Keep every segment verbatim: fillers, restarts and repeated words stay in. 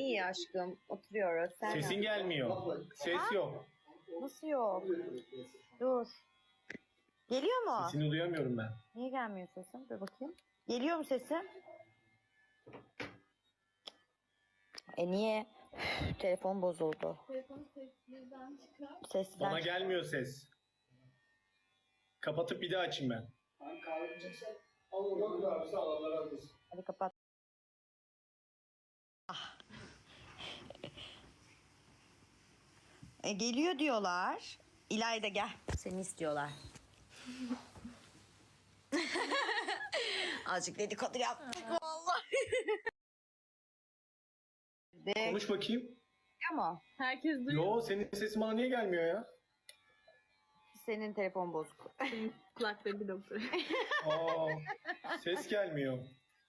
İyi aşkım. Oturuyoruz. Sen Sesin gelmiyor. Ses yok. Nasıl yok? Dur. Geliyor mu? Sesini duyamıyorum ben. Niye gelmiyor sesin? Dur bakayım. Geliyor mu sesin? E niye? Üf, telefon bozuldu. Telefonu sessizden çıkar. Seslen. Bana gelmiyor ses. Kapatıp bir daha açayım ben. Hadi kapat. Ah. E, geliyor diyorlar. İlayda gel. Seni istiyorlar. Azıcık dedikodu yaptık vallahi. De, Konuş bakayım. ama Herkes duyuyor. Yo, senin sesin bana niye gelmiyor ya? senin telefon bozuk. Senin kulakları bir doktor. Aa, ses gelmiyor.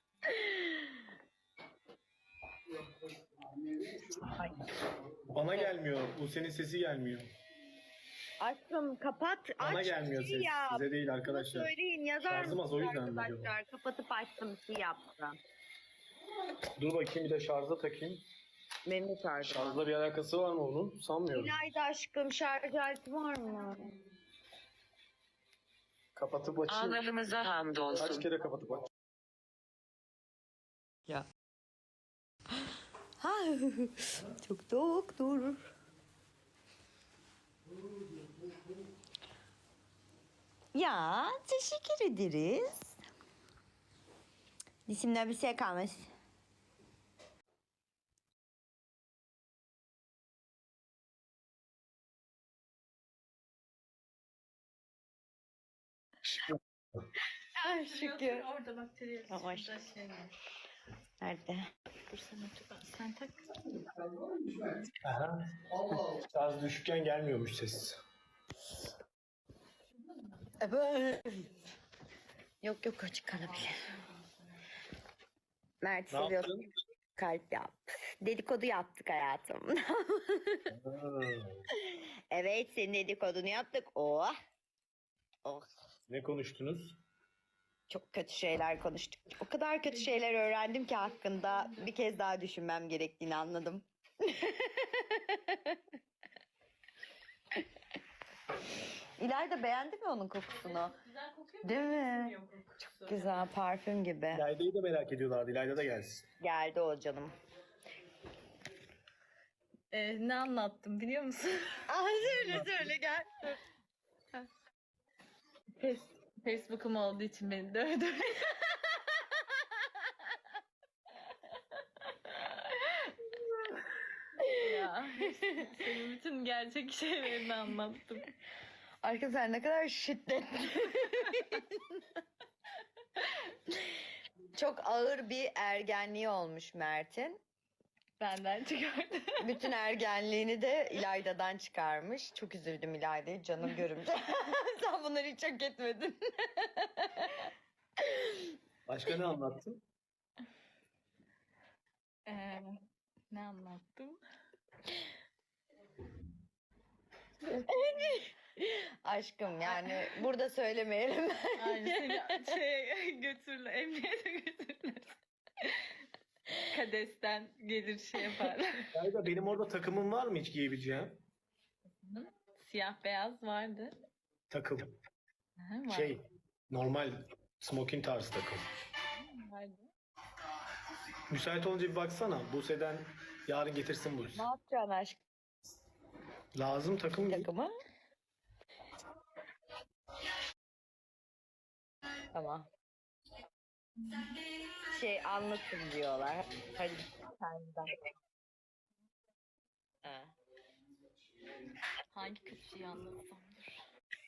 Bana gelmiyor. Bu senin sesi gelmiyor. Aşkım kapat. Bana aç, gelmiyor bir şey ses. yap. Size değil Bunu arkadaşlar. söyleyin yazar Şarjım az, o mısınız yüzden mi arkadaşlar? acaba? Kapatıp açtım bir şey yaptım. Dur bakayım, bir de şarja takayım. Benim de şarjım. Şarjla bir alakası var mı onun? Sanmıyorum. İlayda aşkım şarj aleti var mı? Kapatıp açayım. Ağlarımıza Kaç hamdolsun. kere kapatıp aç. Ya. Ha, çok doktor. Ya teşekkür ederiz. Dişimden bir şey kalmış. Ay şükür. Orada bakteri Yavaş. şey var. Nerede? Dur sen otur. Sen tak. Aha. Şarj düşükken gelmiyormuş ses. Yok yok açık kalabilir. Mert Ne seviyorsun. yaptın? Kalp yap. Dedikodu yaptık hayatım. Ha. Evet senin dedikodunu yaptık. Oh. Oh. Ne konuştunuz? Çok kötü şeyler konuştuk. O kadar kötü şeyler öğrendim ki hakkında bir kez daha düşünmem gerektiğini anladım. İlayda beğendi mi onun kokusunu? Güzel kokuyor mu? Değil mi? Yok kokusu. Güzel parfüm gibi. İlayda'yı da merak ediyorlardı. İlayda da gelsin. Geldi o canım. Ee, ne anlattım biliyor musun? Aa, söyle söyle gel. Face, Facebook'um olduğu için beni dövdü. Ya, senin bütün gerçek şeylerini anlattım. Arkadaşlar ne kadar şiddetli. Çok ağır bir ergenliği olmuş Mert'in. Benden çıkardı. Bütün ergenliğini de İlayda'dan çıkarmış. Çok üzüldüm İlayda'yı canım görümce. Sen bunları hiç hak etmedin. Başka ne anlattın? Ee, ne anlattım? Aşkım yani burada söylemeyelim. Aynı seni şeye götürürler, emniyete götürürler. Kadesten gelir şey yaparlar. İlayda, benim orada takımım var mı hiç giyebileceğim? Siyah beyaz vardı. Takım. Aha, var- Şey, normal smoking tarzı takım. vardı. Müsait olunca bir baksana. Buse'den yarın getirsin Buse. Ne yapacaksın aşkım Lazım takım. takımı? Tamam. Şey anlatın diyorlar. Hadi sen de. Ha. Hangi kötü şeyi anlatsamdır?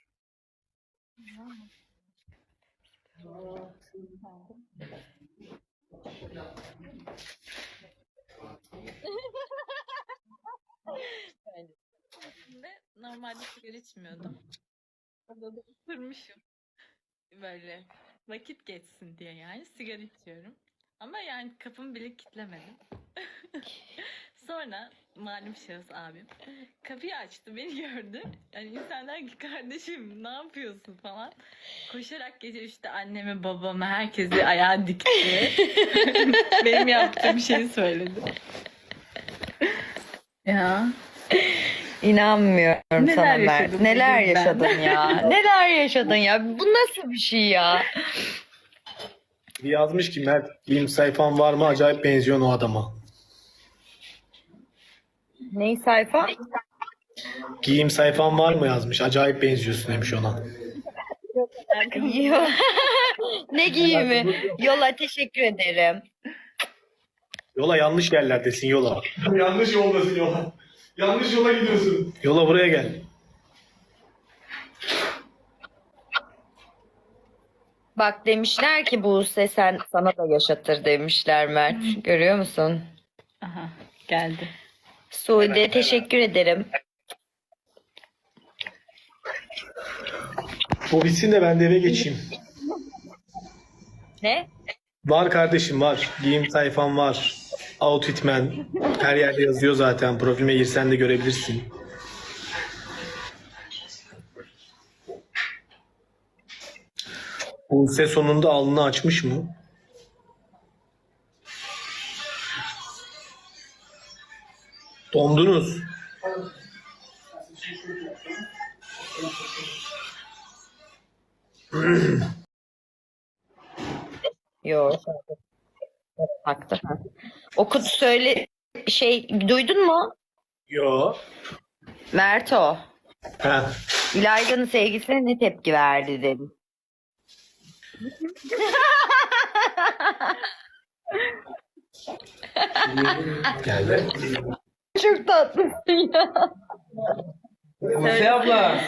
Ve normalde sigara içmiyordum. Orada da ısırmışım. Böyle vakit geçsin diye yani sigara içiyorum. Ama yani kapımı bile kilitlemedim. Sonra malum şahıs abim kapıyı açtı, beni gördü. Yani insanlar ki kardeşim ne yapıyorsun falan. Koşarak gece üçte anneme babama herkesi ayağa dikti. Benim yaptığım şeyi söyledi. Ya. İnanmıyorum Neler sana Mert. yaşadım Neler bugün ben? yaşadın ya? Neler yaşadın ya? Bu nasıl bir şey ya? Bir yazmış ki Mert giyim sayfan var mı? Acayip benziyorsun o adama. Ney sayfa? Giyim sayfan var mı yazmış. Acayip benziyorsun demiş ona. Yo- Ne giyimi? Yola teşekkür ederim. Yola yanlış yerlerdesin yola. Yanlış yoldasın yola. Yanlış yola gidiyorsun. Yola buraya gel. Bak demişler ki Buse sen sana da yaşatır demişler Mert. Görüyor musun? Aha geldi. Sude teşekkür ederim. Bu bitsin de ben de eve geçeyim. Ne? Var kardeşim var. Giyim sayfam var. Outfitman. Her yerde yazıyor zaten. Profilime girsen de görebilirsin. Buse sonunda alnını açmış mı? Dondunuz. Yok. Baktı. Okut söyle şey duydun mu? Yo. Mert o. Ha. İlayda'nın sevgisine ne tepki verdi dedim. Geldi. Çok tatlısın ya. Buse abla.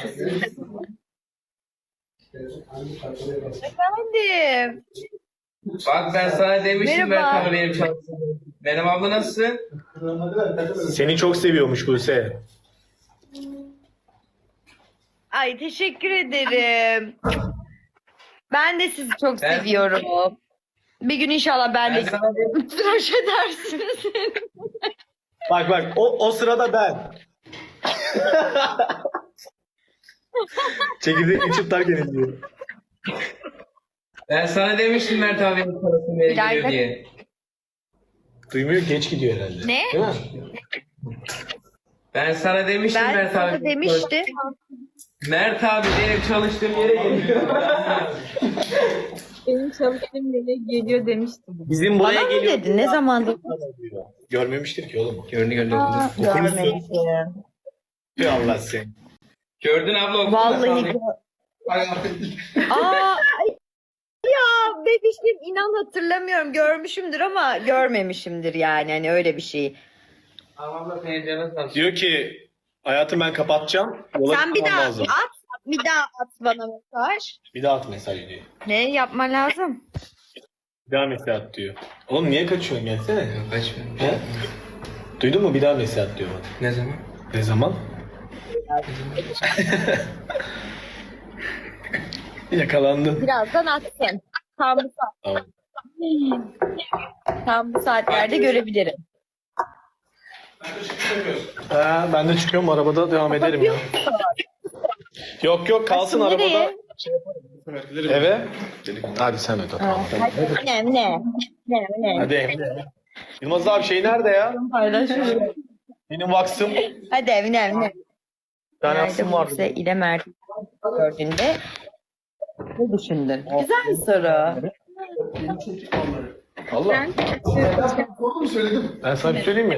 Efendim. Bak ben sana demiştim Merhaba. Mert abi benim çalıştığım. Benim abla nasılsın? Seni çok seviyormuş Buse. Ay teşekkür ederim. Ben de sizi çok Ben- seviyorum. Bir gün inşallah ben Ben de sana dedim. tıraş edersiniz. Bak bak o, o sırada ben. Çekirdeği içip terk ediliyor. Ben sana demiştim Mert abi benim çalıştığım yere İlayda- geliyor diye. Duymuyor geç gidiyor herhalde. Ne? Değil mi? Ben sana demiştim Ben Mert sana abi. demişti. Mert abi benim çalıştığım yere geliyor. Benim çalıştığım yere geliyor demiştim. Bizim Bana buraya mı geliyor. dedi? Ne zamandır? Görmemiştir ki oğlum. Gördün gördün okudun. Görmedim. Bir Allah seni. Gördün abla okudun. Vallahi. Aa, ay, ya bebişim inan hatırlamıyorum. Görmüşümdür ama görmemişimdir yani. Hani öyle bir şey. Tamam abla senin canın sağ olsun. Diyor ki hayatım ben kapatacağım. Yola Sen bir çıkmam daha lazım. at. Bir daha at bana mesaj. Bir daha at mesaj diyor. Ne yapman lazım? Bir daha mesaj at diyor. Oğlum niye kaçıyorsun gelsene. Yok açmıyorum. He? Duydun mu bir daha mesaj at diyor bana. Ne zaman? Ne zaman? Yakalandın. Birazdan atsın. Tam bu saat. Tamam. Tam bu saatlerde görebilirim. Ha, ben de çıkıyorum arabada devam ederim ya. Yok yok kalsın Nereye? arabada. Eve. Hadi sen öde tamam. Ne ne? Ne ne? Hadi evine. Yılmaz abi şey nerede ya? Paylaşıyorum. Benim vaksım. Hadi evine evine. Bir tane vaksım Nerede vardı. Buse ile Mert gördüğünde ne düşündün? Güzel bir soru. Allah. Doğru mu söyledim? Ben sana bir söyleyeyim mi?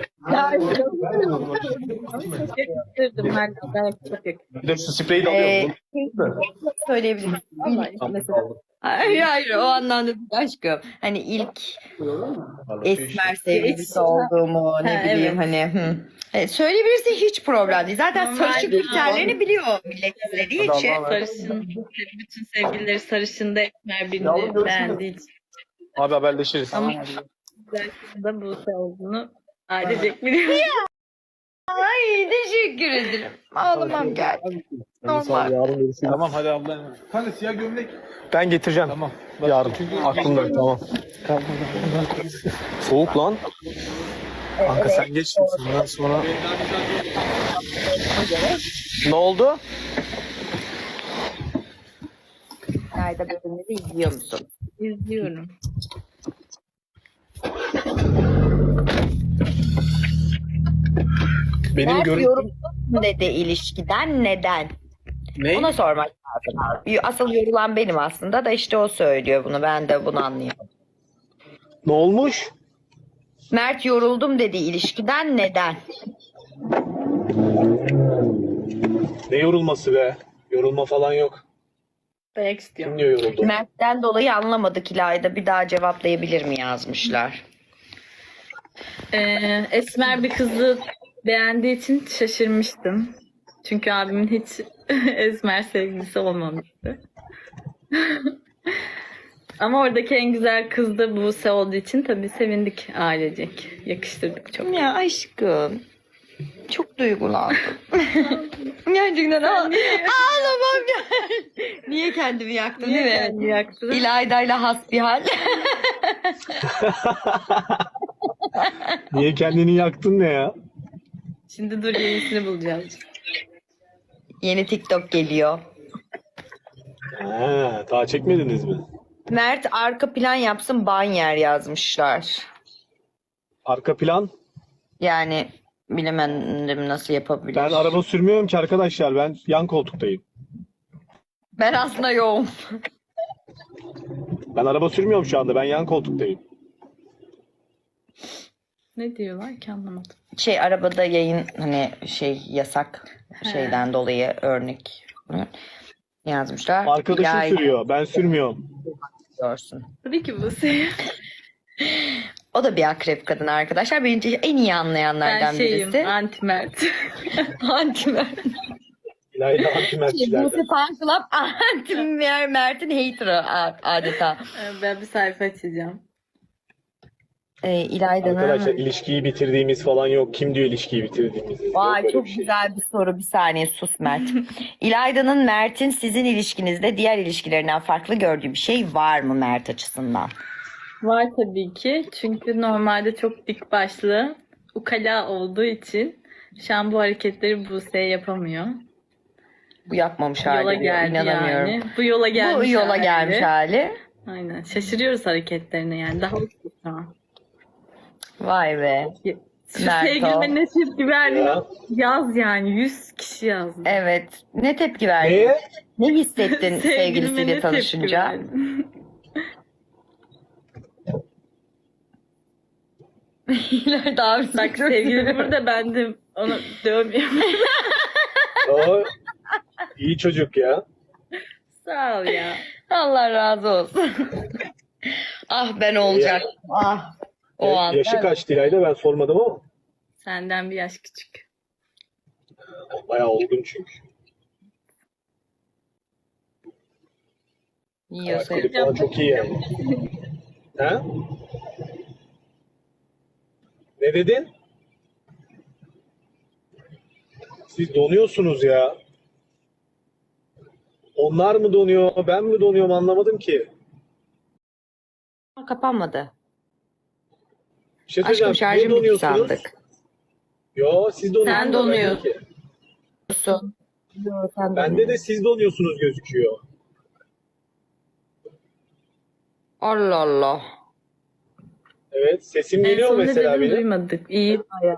Kırdım her kadar çok yakın. Bir de şu spreyi de Ee, alıyorum. söyleyebilirim. Mesela. Hayır hayır o anlamda değil aşkım. Hani ilk esmer sevgilisi olduğumu ne Ha, bileyim evet. hani. Hı. Evet, söyleyebilirse hiç problem değil. Zaten Normal sarışın değil. kriterlerini biliyor millet istediği için. Sarışın, bütün sevgilileri sarışında esmer birini beğendiği için. Abi haberleşiriz. Ama güzel kızın da Buse olduğunu ailecek biliyor. Ay teşekkür ederim. Ağlamam geldi. Normal. Tamam hadi abla. Hani siyah gömlek. Ben getireceğim. Tamam. Yarın. Aklımda tamam. Soğuk lan. Kanka sen geç. Ondan sonra. Ne oldu? Nerede bölümleri izliyor musun? İzliyorum. Benim Mert görüntüm yoruldum dedi ilişkiden neden? ne? Ona sormak lazım. Asıl yorulan benim aslında da işte o söylüyor bunu. Ben de bunu anlıyorum. Ne olmuş? Mert yoruldum dedi ilişkiden neden? Ne yorulması be? Yorulma falan yok. Dayak istiyorum. Kim diyor yoruldu? Mert'ten dolayı anlamadık İlayda. Bir daha cevaplayabilir mi yazmışlar. Ee, esmer bir kızı beğendiği için şaşırmıştım. Çünkü abimin hiç esmer sevgilisi olmamıştı. Ama oradaki en güzel kız da Buse olduğu için tabii sevindik ailecek. Yakıştırdık çok. Ya aşkım. Çok duygulandım. Gerçekten ağ- ağlamam ya. Niye kendimi yaktın değil mi? Kendi yaktı. İlayda'yla hasbihal. Niye kendini yaktın ne ya? Şimdi dur yenisini bulacağız. Yeni TikTok geliyor. Ha, daha çekmediniz mi? Mert arka plan yapsın banyer yazmışlar. Arka plan? Yani bilemedim nasıl yapabilir. Ben araba sürmüyorum ki arkadaşlar. Ben yan koltuktayım. Ben aslında yoğum. Ben araba sürmüyorum şu anda. Ben yan koltuktayım. Ne diyorlar ki anlamadım. Şey arabada yayın hani şey yasak şeyden dolayı örnek yazmışlar. Arkadaşım İlayda sürüyor. Ben sürmüyorum. diyorsun. Tabii ki Buse. O da bir akrep kadın arkadaşlar. Bence en iyi anlayanlardan Ben şeyim birisi. anti Mert. Anti Mert. İlayda Şey, antimertçilerden. Buse Fan Club anti Mert'in hater'ı a- adeta. Ben bir sayfa açacağım. Ee, İlayda'nın... Arkadaşlar ilişkiyi bitirdiğimiz falan yok. Kim diyor ilişkiyi bitirdiğimizi? Yok Vay böyle çok bir şey. güzel bir soru. Bir saniye sus Mert. İlayda'nın Mert'in sizin ilişkinizde diğer ilişkilerinden farklı gördüğü bir şey var mı Mert açısından? Var tabii ki. Çünkü normalde çok dik başlı, ukala olduğu için şu an bu hareketleri Buse yapamıyor. Bu yapmamış Yola hali. geldi İnanamıyorum. yani. Bu yola gelmiş Bu yola hali. gelmiş hali. Aynen. Şaşırıyoruz hareketlerine yani. Daha uçtu şu an. Vay be. Şu Mert o. sevgilime ne tepki verdi? Ya. Yaz yani. Yüz kişi yazdı. Evet. Ne tepki verdin? Neye? Ne hissettin Sevgilime sevgilisiyle ne tepki tanışınca? verdi? İlayda abisi Bak sevgilim burada, ben de onu dövmüyorum. O iyi çocuk ya. Sağ ol ya. Allah razı olsun. Ah ben olacaktım. Ah. O Evet, an. yaşı kaç İlayda ben sormadım ama. Senden bir yaş küçük. Bayağı olgun çünkü. Yiyorsa Alkoli falan çok iyi yani. Ha? Ne dedin? Siz donuyorsunuz ya. Onlar mı donuyor, ben mi donuyorum anlamadım ki. kapanmadı. Bir şey Aşkım söyleyeceğim. Niye şarjım bitti donuyorsunuz? sandık. Yo siz donuyorsunuz. Sen ben donuyorsun. değil ki. Su. Yok, sen Bende de siz donuyorsunuz gözüküyor. Allah Allah. Evet sesim En geliyor son ne mesela dedim benim. duymadık. İyi bayağı.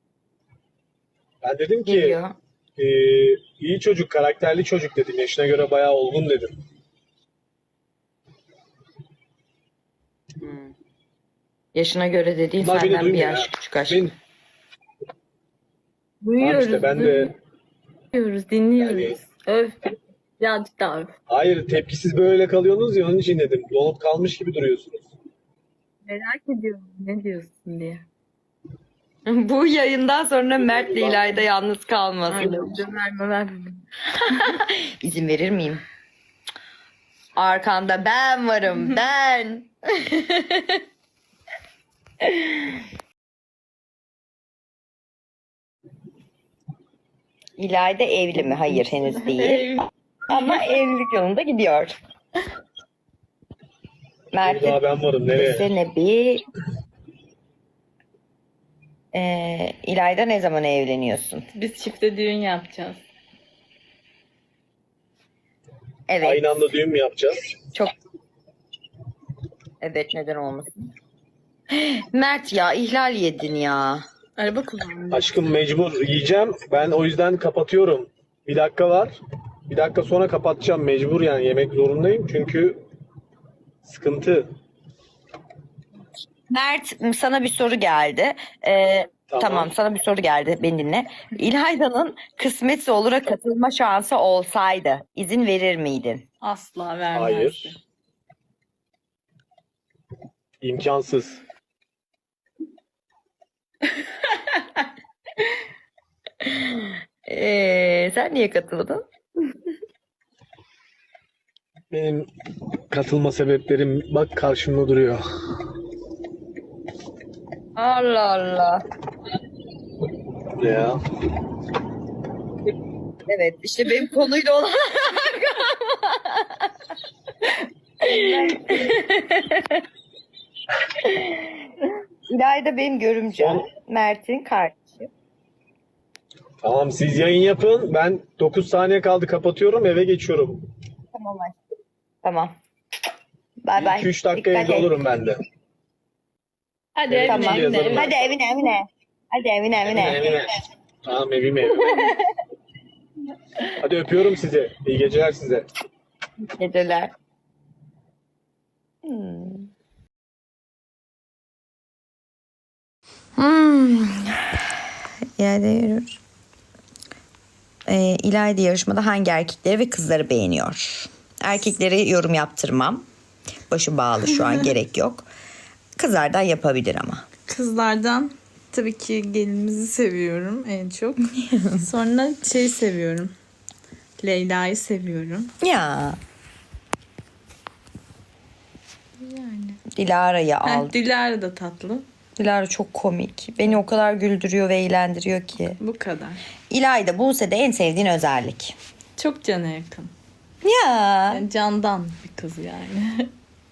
Ben dedim ki Geliyor. e, iyi çocuk, karakterli çocuk dedim. Yaşına göre bayağı olgun dedim. Hmm. Yaşına göre dediğin Bunlar beni senden bir duymuyor yaş ya. küçük aşk. Ben, tamam Duyuyoruz. işte ben de Duyuyoruz, dinliyoruz. Yani- Öf. Birazcık daha öf. hayır tepkisiz böyle kalıyorsunuz ya onun için dedim. Donup kalmış gibi duruyorsunuz. Merak ediyorum ne diyorsun diye. Bu yayından sonra Mert ile İlayda yalnız kalmasın. Aynen. Verme verme. İzin verir miyim? Arkanda ben varım ben. İlayda evli mi? Hayır henüz değil. Ama evlilik yolunda gidiyor. Mert Daha ben varım nereye? desene bir. Ee, İlayda ne zaman evleniyorsun? Biz çifte düğün yapacağız. Evet. Aynı anda düğün mü yapacağız? Çok. Evet neden olmasın? Mert ya ihlal yedin ya. Araba kullanmıyor. Aşkım mecbur yiyeceğim. Ben o yüzden kapatıyorum. Bir dakika var. Bir dakika sonra kapatacağım. Mecbur yani yemek zorundayım. Çünkü sıkıntı. Mert, sana bir soru geldi. Ee, Tamam. tamam. sana bir soru geldi. Beni dinle. İlayda'nın Kısmetse Olur'a katılma şansı olsaydı izin verir miydin? Asla vermezdi. Hayır. İmkansız. Ee, sen niye katıldın? Benim katılma sebeplerim bak karşımda duruyor. Allah Allah. Ne ya? Evet, işte benim konuyla olan İlayda benim görümcem. Mert'in kardeşi. Tamam siz yayın yapın. Ben dokuz saniye kaldı kapatıyorum eve geçiyorum. Tamam aşkım. Tamam. Bay bay. iki üç dakika Dikkat evde et. olurum ben de. Hadi evine Tamam. evine. evine. Hadi evine evine. Hadi evine evine. Evine. Tamam evime. Hadi öpüyorum sizi. İyi geceler size. Geceler. Hmm. Hmm. İlayda yürür. Ee, İlayda yarışmada hangi erkekleri ve kızları beğeniyor? Erkekleri yorum yaptırmam. Başı bağlı şu an gerek yok. Kızlardan yapabilir ama. Kızlardan tabii ki gelinimizi seviyorum en çok. Sonra şey seviyorum. Leyla'yı seviyorum. Ya. Yani. Dilara'yı Heh, al. Dilara da tatlı. Dilara çok komik. Beni o kadar güldürüyor ve eğlendiriyor ki. Bu kadar. İlayda, Buse'de en sevdiğin özellik. Çok cana yakın. Ya. Yani candan bir kız yani.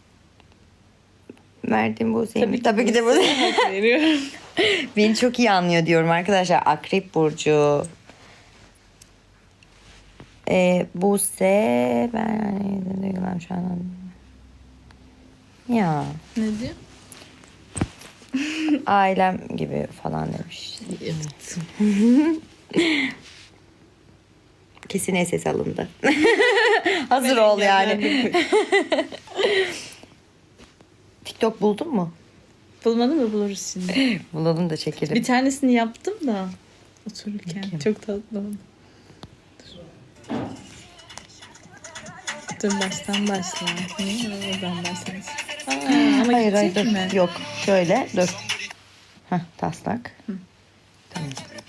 Verdiğim Buse'yi mi? ki Tabii ki de Buse'ye Buse. hak veriyorum. Beni çok iyi anlıyor diyorum arkadaşlar. Akrep Burcu. Ee, Buse. Ben duygularım şu an. Ya. Ne diyor? Ailem gibi falan demiş. Evet. Kesin ses alındı. Hazır ol yani. TikTok buldun mu? Bulmadın mı buluruz şimdi. Bulalım da çekelim. Bir tanesini yaptım da otururken. Çok tatlı oldu. Dur baştan başla. Niye oradan başlasın? Aa, ama Hayır hayır gidecek dur. mi? Yok şöyle dur. Heh, taslak. Tamam.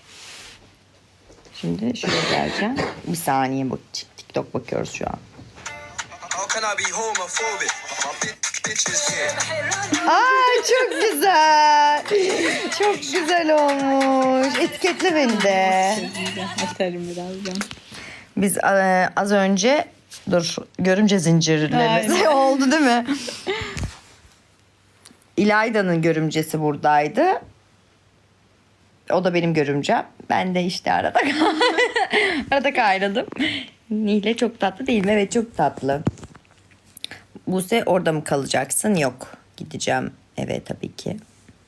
Şimdi şuraya geleceğim. Bir saniye bak. TikTok bakıyoruz şu an. How can I be homophobic? My bitch, bitch is here. Ay çok güzel. Çok güzel olmuş. Etiketle beni de. Atarım birazdan. Biz e, az önce dur görümce zincirlemesi oldu değil mi? İlayda'nın görümcesi buradaydı. O da benim görümcem. Ben de işte arada arada kaynadım. Nihle çok tatlı değil mi? Evet çok tatlı. Buse orada mı kalacaksın? Yok. Gideceğim eve tabii ki.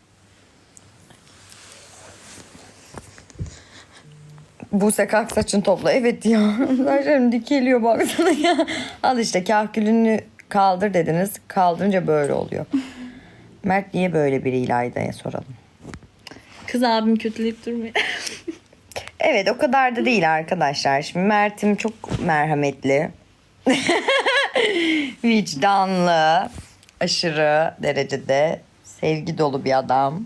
Buse kalk saçını topla. Evet ya. Saçlarım dikeliyor baksana ya. Al işte kahkülünü kaldır dediniz. Kaldırınca böyle oluyor. Mert niye böyle biri İlayda'ya soralım. Kız abim kötüleyip durmuyor. Evet o kadar da değil arkadaşlar. Şimdi Mert'im çok merhametli. Vicdanlı. Aşırı derecede sevgi dolu bir adam.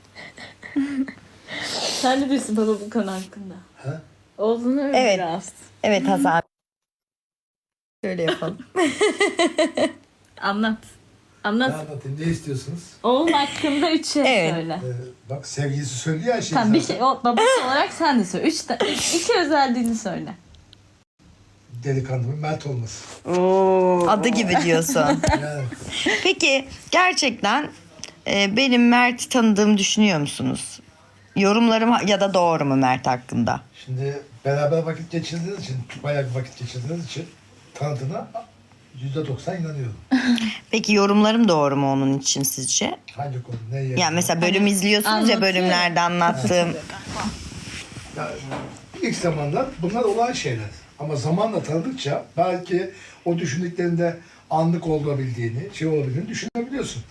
Sen de bilirsin baba bu konu hakkında. Ha? Olduğunu öyle Evet. biraz. Evet Hasan. Şöyle yapalım. Anlat. Ne Anlat. anlatayım? Ne istiyorsunuz? Oğlum hakkında üç şey Evet. söyle. Ee, bak sevgilisi söylüyor ya şey. Tamam bir zaten. şey. O, babası olarak sen de söyle. Üç, ta- iki özelliğini söyle. Delikanlının Mert olması. Adı gibi diyorsun. Yani Peki gerçekten e, benim Mert'i tanıdığımı düşünüyor musunuz? Yorumlarım ya da doğru mu Mert hakkında? şimdi beraber vakit geçirdiğiniz için, bayağı bir vakit geçirdiğiniz için tanıdığına yüzde doksan inanıyorum. Peki yorumlarım doğru mu onun için sizce? Hangi konu? Ne yer? Yani mesela bölüm izliyorsunuz ya, anlatıyor. bölümlerde anlattığım. Ya, ilk zamanlar bunlar olan şeyler. Ama zamanla tanıdıkça belki o düşündüklerinde anlık olabildiğini, şey olabildiğini düşünebiliyorsun.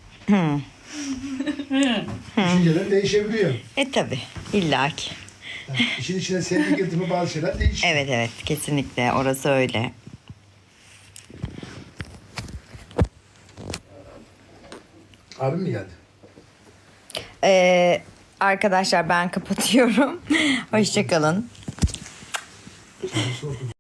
Düşünceler değişebiliyor. E tabi illaki. Yani işin içine sevgi girdi mi bazı şeyler değişiyor. Evet evet kesinlikle orası öyle. Abim mi geldi? Ee, arkadaşlar ben kapatıyorum. Hoşçakalın. Sorusu okudum.